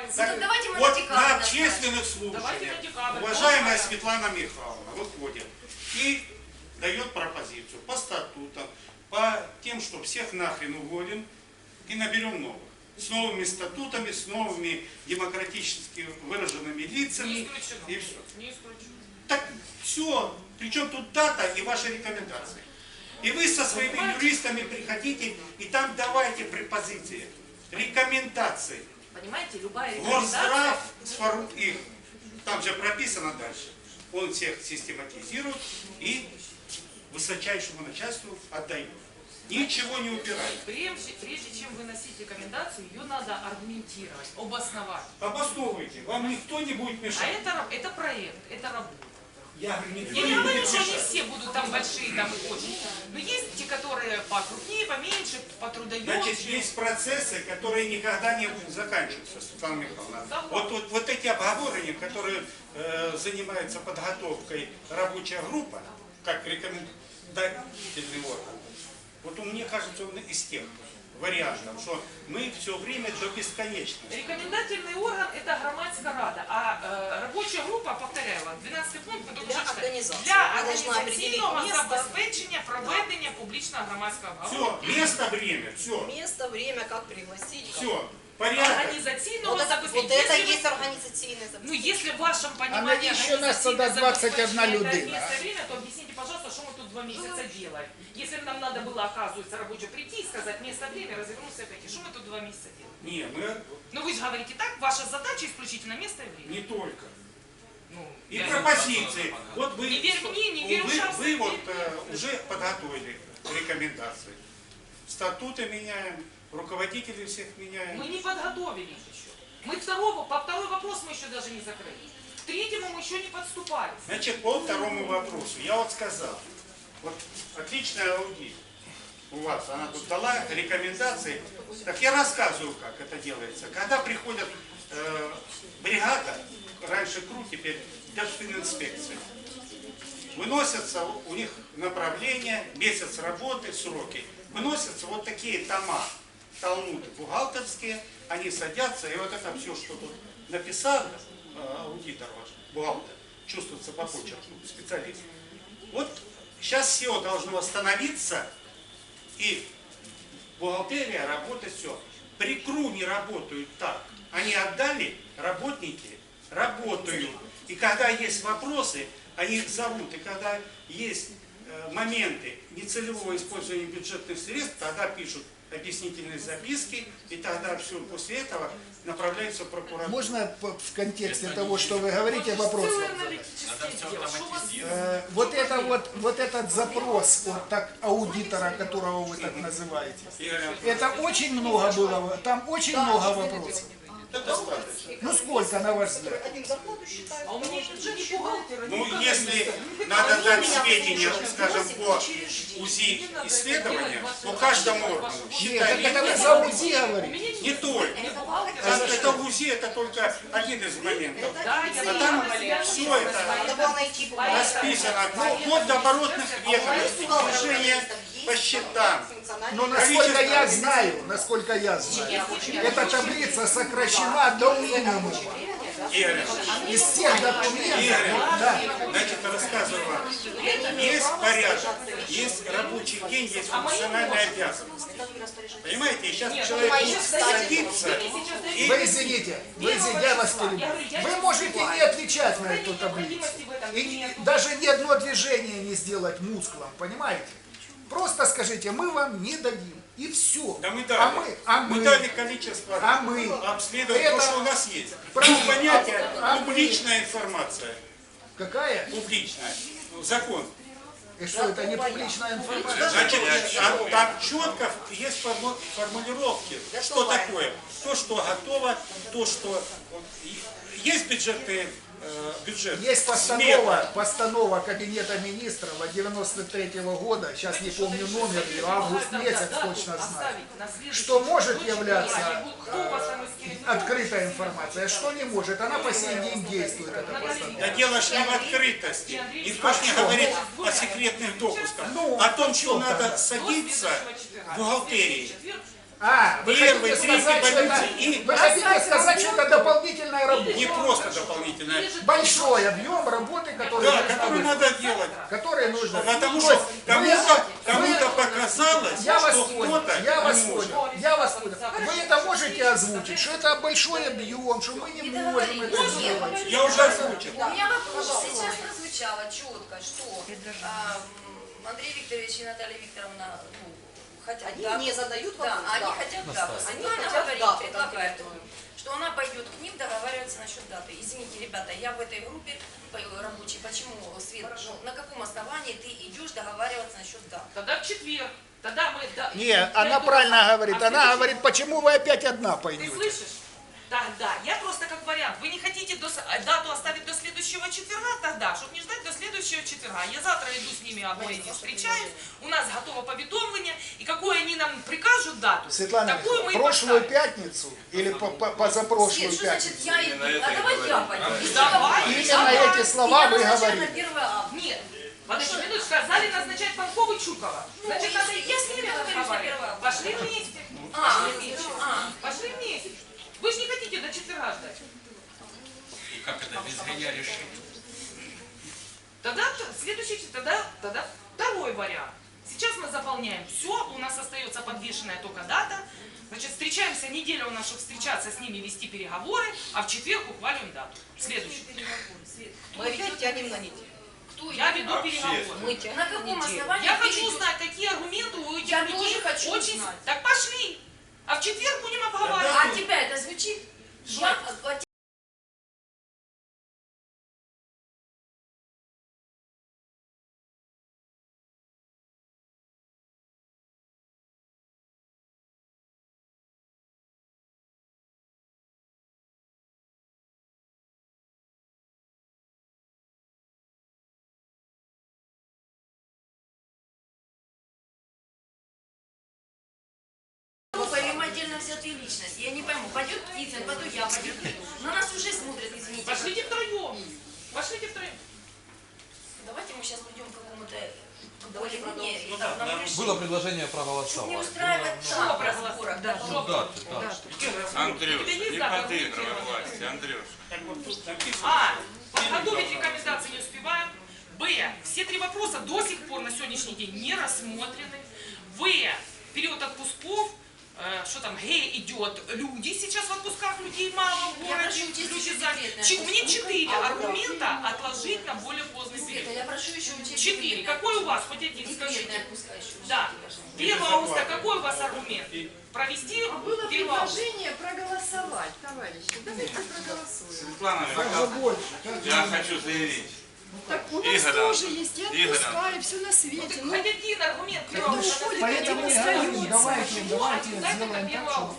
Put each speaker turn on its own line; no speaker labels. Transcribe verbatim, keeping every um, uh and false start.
Так,
Ну, давайте мы
вот
на
на общественных слушаниях уважаемая Светлана Михайловна выходит и дает пропозицию по статутам, по тем, что всех нахрен уволим и наберем новых. С новыми статутами, с новыми демократически выраженными лицами.
Не исключено.
И все.
Не исключено.
Так все, причем тут дата и ваши рекомендации. И вы со своими юристами приходите и там давайте препозиции, рекомендации.
Понимаете, любая рекомендация...
Горздрав сформирует их, там же прописано дальше. Он всех систематизирует и высочайшему начальству отдает. Ничего не убирает.
Прежде, прежде чем выносить рекомендацию, ее надо аргументировать, обосновать.
Обосновывайте, вам никто не будет
А
мешать.
это, это проект, это работа.
Я говорю, никто
Я
не
не говорю,
будет
что они
мешать.
все будут там большие, там очень. Но есть те, которые покрупнее, поменьше, потрудоемкие.
Значит, есть процессы, которые никогда не заканчиваются, Светлана Михайловна. Вот, вот, вот эти обговорения, которые э, занимаются подготовкой рабочая группа, как рекомендательный орган, вот мне кажется, он из тех вариантов, что мы все время до бесконечности.
Рекомендательный орган – это громадская рада, а э, рабочая группа, повторяю вам, двенадцатый пункт,
Для организации.
для
Она должна определить
організаційного
место.
забезпечення проведення публічного громадського обговорення.
Все, место, время, все,
Место, время, как пригласить. как-
все, порядок.
Организационного
Вот это, вот
забезпечения.
это
Если вы-
есть организационное
Ну,
забезпечение.
если в вашем
А
понимании
навіщо нас тоді двадцять одна
организационное
людина?
забезпечение это место и время, то объясните, пожалуйста, что мы тут два месяца делаем. Если нам надо было, оказывается, рабочий прийти и сказать место, время, развернуться и пойти, что мы тут два месяца делаем?
Не, мы
Ну, вы же говорите так, ваша задача исключительно место и время.
не только.
Ну,
И
я-
пропозиции. Вот вы,
Не верь мне, не верь
вы,
ужасно,
вы
не
вот
верь
э, уже подготовили рекомендации. Статуты меняем, руководителей всех меняем.
Мы не подготовились еще. Мы второго, по второй вопрос мы еще даже не закрыли. К третьему мы еще не подступались.
Значит, по второму вопросу. Я вот сказал, вот отличная аудит у вас, она тут дала рекомендации. Так я рассказываю, как это делается. Когда приходят э, бригада, раньше КРУ, теперь Держфининспекция, выносятся у них направления, месяц работы, сроки. Выносятся вот такие тома, талмуды бухгалтерские, они садятся, и вот это все, что тут написал э, аудитор ваш, бухгалтер, чувствуется по почерку, специалист. Вот сейчас все должно остановиться, и бухгалтерия работает все. При КРУ не работают так. Они отдали, работники работают. И когда есть вопросы, они их зовут. И когда есть э, моменты нецелевого использования бюджетных средств, тогда пишут объяснительные записки, и тогда все после этого направляется в прокуратуру.
Можно по- в контексте того, что вы говорите, вопрос
Целое
вам задать?
аналитическое дело. Что у вас-
Э, Вот это вот, вот этот запрос от так, аудитора, которого вы так называете,
Игорь Анатольевич,
это очень много было, там очень много вопросов.
это достаточно.
Ну сколько, на ваш взгляд?
Один зарплату считает.
А у меня нет ни бухгалтера, ни
Ну,
экономиста.
если надо дать сведения, скажем, по УЗИ исследования, по каждому органу,
Нет,
считали,
так это вы за УЗИ
У
говорите.
меня нет
не только.
ни бухгалтера,
Это,
ни
это УЗИ, это только один из моментов.
Да, я
А там
понимаю,
все
я
это
Надо было найти бухгалтера.
расписано, ну, вплоть до оборотных ведомостей, движения по счетам.
Но насколько я знаю, насколько я знаю, эта таблица сокращена до минимума.
Игорь,
Из всех документов,
Игорь,
да,
значит, рассказываю вам. Есть порядок, есть рабочий день, есть функциональная обязанность. Понимаете, и сейчас человек будет садиться и...
вы извините, вы извините, я вас перебью. Вы можете не отвечать на эту таблицу. И не- даже ни одно движение не сделать мускулом, понимаете? Просто скажите, мы вам не дадим. И все.
Да мы
А
дали.
мы, а
мы
мы,
дали количество
а мы.
обследовать
Это-
то, что у нас есть.
Правильно.
Ну, понятие
А- а мы.
публичная информация.
Какая?
Публичная. Закон.
И что, это не публичная информация?
Значит, а там четко есть форму- формулировки, что такое. То, что готово, то, что... вот, и- Есть бюджетные э, бюджет.
Есть
смета.
постанова, постанова Кабинета министров от девяносто третьего года, сейчас не помню номер, ее, август месяц точно знаю, что может являться э, открытой информацией, а что не может. Она по сей день действует, эта
Да
постанова.
дело ж не в открытости. Никто ж не говорит о секретных допусках.
Ну,
О том, что
что
надо
там?
садиться в бухгалтерии.
А, вы
Первый,
хотите сказать,
третий
что это,
больницы и-
вы хотите сказать, что это дополнительная
дополнительное.
Или же
Большой объем работы, который
Да,
нужно
который
выполнить.
надо делать.
Которые нужно.
Потому
То
что
есть
кому-то
вы-
кому-то показалось,
Я вас
что
понял,
кто-то
я вас
не может.
понял, я вас понял. Вы это можете озвучить, что это большой объем, что мы не можем это сделать.
Я уже озвучил.
У меня вопрос. Сейчас прозвучало четко, что а, м, Андрей Викторович и Наталья Викторовна ну, хотят
Они
дату.
не задают
Да,
вопрос,
они
да.
хотят дату.
Они
Светлана
хотят
говорит,
дату
предлагает,
конкретную.
что она пойдет к ним договариваться насчет даты. Извините, ребята, я в этой группе по- рабочей. Почему, Свет, ну, на каком основании ты идешь договариваться насчет даты?
Тогда в четверг. Тогда мы... да,
Не,
я
она
иду
правильно
на-
говорит.
а в
Она
следующий-
говорит, почему вы опять одна
Ты
пойдете?
слышишь? Тогда, я просто как вариант. Вы не хотите до с- дату оставить до следующего четверга тогда, чтобы не ждать до следующего четверга. Я завтра иду с ними обоими встречаюсь, у нас готово поведомление, и какую они нам прикажут дату,
Светлана
такую мы и
Михайловна, прошлую
поставим.
пятницу или по- по- позапрошлую
Свет, что значит
пятницу?
я иду? А давай я пойду. Без
Давай.
договора.
Именно эти слова
Я
вы
назначаю
говорили.
на первое августа.
Нет, подожди, минуту, сказали назначать Панкова и Чукова. Значит,
Ну,
надо
я-
идти
я
с
с
ними
ними договорюсь на
разговаривать.
первое.
Пошли вместе.
А,
Пошли вместе.
а.
Пошли вместе. Вы же не хотите до четверга ждать.
И как это без меня решить?
Тогда т- следующий, тогда, тогда второй вариант. Сейчас мы заполняем все, у нас остается подвешенная только дата. Значит, встречаемся, неделя у нас, чтобы встречаться с ними, вести переговоры, а в четверг ухвалим дату. Следующий.
Мы опять тянем на неделю.
Кто
Я
идет?
веду переговоры.
Мы тянем
На
на
каком
неделю.
основании
Я
ты
хочу
идешь?
узнать, какие аргументы у этих
Я
людей.
тоже хочу
очень...
узнать.
Так пошли. А в четверг будем обговаривать.
А от тебя это звучит? Я, от группа или мы отдельно взятые личности? Я не пойму. Пойдет Птицын, потом я, пойдет ты. На нас уже смотрят, извините.
Пошлите втроем. Пошлите втроем.
Давайте мы сейчас придем к какому-то более-менее этапному решению.
Было предложение
Чтобы не
проголосовать.
устраивать
Что
там
проголосовать?
разборок.
Да,
Да.
что?
Даты, да.
Андрюш,
У тебя есть
не
дата
подыгрывай
аргументированная?
власти, Андрюш.
Так вот тут написано.
А. Подготовить рекомендации не успеваем. Б. Все три вопроса до сих пор на сегодняшний день не рассмотрены. В. Период отпусков. Э, что там, Г идет, люди сейчас в отпусках, людей мало в
Я
городе,
прошу учесть
люди
еще
заняты.
декретные
Ч- Мне
отпуски.
четыре аргумента отложить на более поздний
Света,
период.
я прошу еще учесть
Четыре.
декретные
Какой у вас? Хоть один
Декретные
скажите.
отпуска еще учтите,
Да.
пожалуйста.
первого августа какой у вас аргумент? Провести
А было
первого августа.
предложение проголосовать, товарищи. Давайте проголосуем.
Светлана
Как же
Михайловна,
больше? Как же
я
больше?
хочу заявить.
Так у нас
Игорь,
тоже есть и
Игорь,
отпуска, и все на свете. Ну,
Хоть один аргумент
Так
первого
ну,
августа.
уходит
Поэтому
один
и говорю,
остается.
давайте,
Почему
давайте
обязательно
сделаем так,
первого
чтобы